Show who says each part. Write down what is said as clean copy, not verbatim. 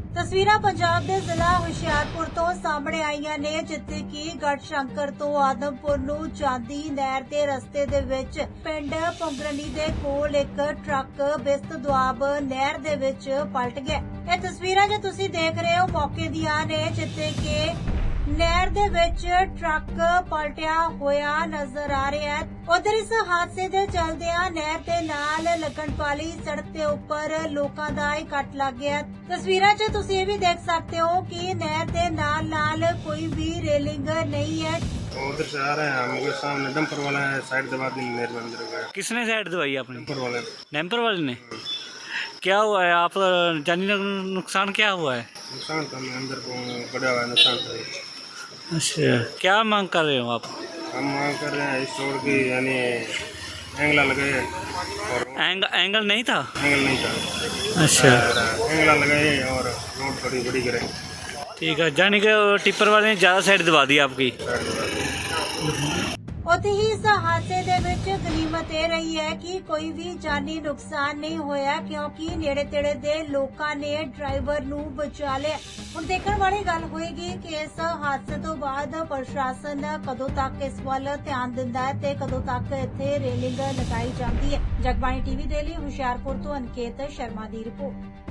Speaker 1: ਤਸਵੀਰਾਂ ਪੰਜਾਬ ਦੇ ਜ਼ਿਲ੍ਹਾ ਹੁਸ਼ਿਆਰਪੁਰ ਤੋਂ ਸਾਹਮਣੇ ਆਈਆਂ ਨੇ, ਜਿੱਥੇ ਕਿ ਗੜਸ਼ੰਕਰ ਤੋਂ ਆਦਮਪੁਰ ਨੂੰ ਜਾਂਦੀ ਨਹਿਰ ਦੇ ਰਸਤੇ ਦੇ ਵਿੱਚ ਪਿੰਡ ਪੁੰਗਰਨੀ ਦੇ ਕੋਲ ਇੱਕ ਟਰੱਕ ਬਿਸਤ ਦੁਆਬ ਨਹਿਰ ਦੇ ਵਿੱਚ ਪਲਟ ਗਿਆ। ਇਹ ਤਸਵੀਰਾਂ ਜੋ ਤੁਸੀਂ ਦੇਖ ਰਹੇ ਹੋ ਮੌਕੇ ਦੀਆਂ ਨੇ, ਜਿੱਥੇ ਕਿ ਨਹਿਰ ਦੇ ਵਿੱਚ ਟਰੱਕ ਪਲਟਿਆ ਹੋਇਆ ਨਜ਼ਰ ਆ ਰਿਹਾ ਹੈ। ਉਧਰ ਇਸ ਹਾਦਸੇ ਦੇ ਚਲਦਿਆਂ ਨਹਿਰ ਦੇ ਨਾਲ ਲੱਗਣ ਵਾਲੀ ਸੜਕ ਦੇ ਉੱਪਰ ਲੋਕਾਂ ਦਾ ਇਕੱਠ ਲੱਗ ਗਿਆ। ਤਸਵੀਰਾਂ 'ਚ ਤੁਸੀਂ ਇਹ ਵੀ ਦੇਖ ਸਕਦੇ ਹੋ ਕਿ ਨਹਿਰ ਦੇ ਨਾਲ ਕੋਈ ਵੀ ਰੇਲਿੰਗ नहीं है।
Speaker 2: उधर से आ रहे हैं हम लोग, सामने डंपर वाला है, साइड दबा दी नहर में अंदर गया।
Speaker 3: किसने साइड दबाई आपने?
Speaker 2: डंपर वाले
Speaker 3: डैम्पर वाले ने। क्या हुआ है? आप जानी नुकसान क्या हुआ है?
Speaker 2: नुकसान तो हमें अंदर को बड़ा हुआ है, नुकसान तो है।
Speaker 3: अच्छा, क्या मांग कर रहे हो आप?
Speaker 2: हम मांग कर रहे हैं इस रोड की, यानी एंगला लगाए और
Speaker 3: एंगल नहीं था?
Speaker 2: एंगल नहीं था।
Speaker 3: अच्छा,
Speaker 2: एंगला लगाए और रोड थोड़ी बड़ी करें।
Speaker 3: ठीक है। जानी कि टिप्पर वाले ने ज़्यादा साइड दबा दी आपकी।
Speaker 1: ਉੱਥੇ ਹੀ ਇਸ ਹਾਦਸੇ ਦੇ ਵਿੱਚ ਗਨੀਮਤ ਇਹ ਰਹੀ ਹੈ ਕਿ ਕੋਈ ਵੀ ਜਾਨੀ ਨੁਕਸਾਨ ਨਹੀਂ ਹੋਇਆ, ਕਿਉਂਕਿ ਨੇੜੇ ਤੇੜੇ ਦੇ ਲੋਕਾਂ ਨੇ ਡਰਾਈਵਰ ਨੂੰ ਬਚਾ ਲਿਆ। ਹੁਣ ਦੇਖਣ ਵਾਲੀ ਗੱਲ ਹੋਏਗੀ ਕਿ ਇਸ ਹਾਦਸੇ ਤੋਂ ਬਾਅਦ ਪ੍ਰਸ਼ਾਸਨ ਕਦੋਂ ਤੱਕ ਇਸ ਵੱਲ ਧਿਆਨ ਦਿੰਦਾ ਹੈ ਤੇ ਕਦੋਂ ਤੱਕ ਇੱਥੇ ਰੇਲਿੰਗ ਲਗਾਈ ਜਾਂਦੀ ਹੈ। ਜਗਬਾਣੀ ਟੀਵੀ ਦੇ ਲਈ ਹੁਸ਼ਿਆਰਪੁਰ ਤੋਂ ਅਨਕੇਤ ਸ਼ਰਮਾ ਦੀ ਰਿਪੋਰਟ।